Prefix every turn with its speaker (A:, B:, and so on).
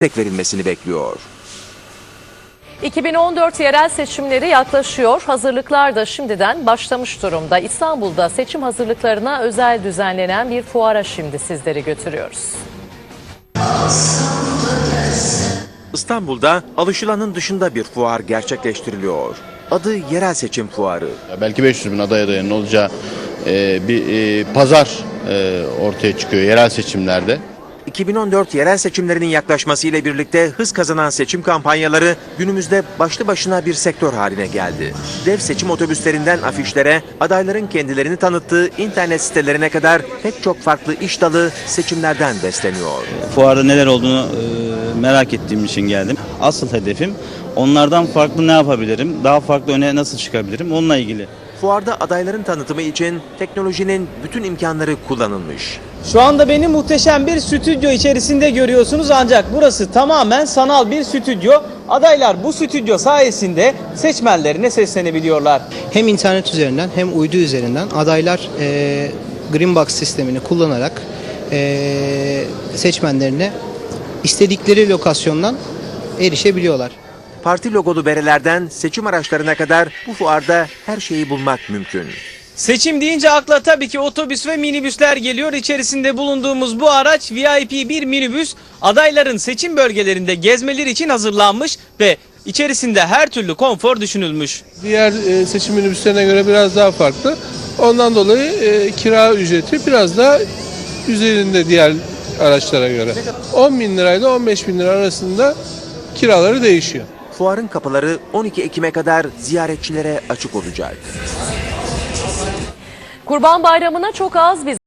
A: verilmesini bekliyor.
B: 2014 yerel seçimleri yaklaşıyor. Hazırlıklar da şimdiden başlamış durumda. İstanbul'da seçim hazırlıklarına özel düzenlenen bir fuara şimdi sizleri götürüyoruz.
A: İstanbul'da alışılanın dışında bir fuar gerçekleştiriliyor. Adı Yerel Seçim Fuarı.
C: Belki 500 bin aday adayının olacağı bir pazar ortaya çıkıyor yerel seçimlerde.
A: 2014 yerel seçimlerinin yaklaşmasıyla birlikte hız kazanan seçim kampanyaları günümüzde başlı başına bir sektör haline geldi. Dev seçim otobüslerinden afişlere, adayların kendilerini tanıttığı internet sitelerine kadar pek çok farklı iş dalı seçimlerden besleniyor.
D: Fuarda neler olduğunu merak ettiğim için geldim. Asıl hedefim onlardan farklı ne yapabilirim, daha farklı öne nasıl çıkabilirim onunla ilgili.
A: Fuarda adayların tanıtımı için teknolojinin bütün imkanları kullanılmış.
E: Şu anda beni muhteşem bir stüdyo içerisinde görüyorsunuz ancak burası tamamen sanal bir stüdyo. Adaylar bu stüdyo sayesinde seçmenlerine seslenebiliyorlar.
F: Hem internet üzerinden hem uydu üzerinden adaylar Green Box sistemini kullanarak seçmenlerine istedikleri lokasyondan erişebiliyorlar.
A: Parti logolu berelerden seçim araçlarına kadar bu fuarda her şeyi bulmak mümkün.
E: Seçim deyince akla tabii ki otobüs ve minibüsler geliyor. İçerisinde bulunduğumuz bu araç VIP bir minibüs. Adayların seçim bölgelerinde gezmeleri için hazırlanmış ve içerisinde her türlü konfor düşünülmüş.
G: Diğer seçim minibüslerine göre biraz daha farklı. Ondan dolayı kira ücreti biraz daha üzerinde diğer araçlara göre. 10 bin lirayla 15 bin lira arasında kiraları değişiyor.
A: Fuarın kapıları 12 Ekim'e kadar ziyaretçilere açık olacak.
B: Kurban Bayramı'na çok az bir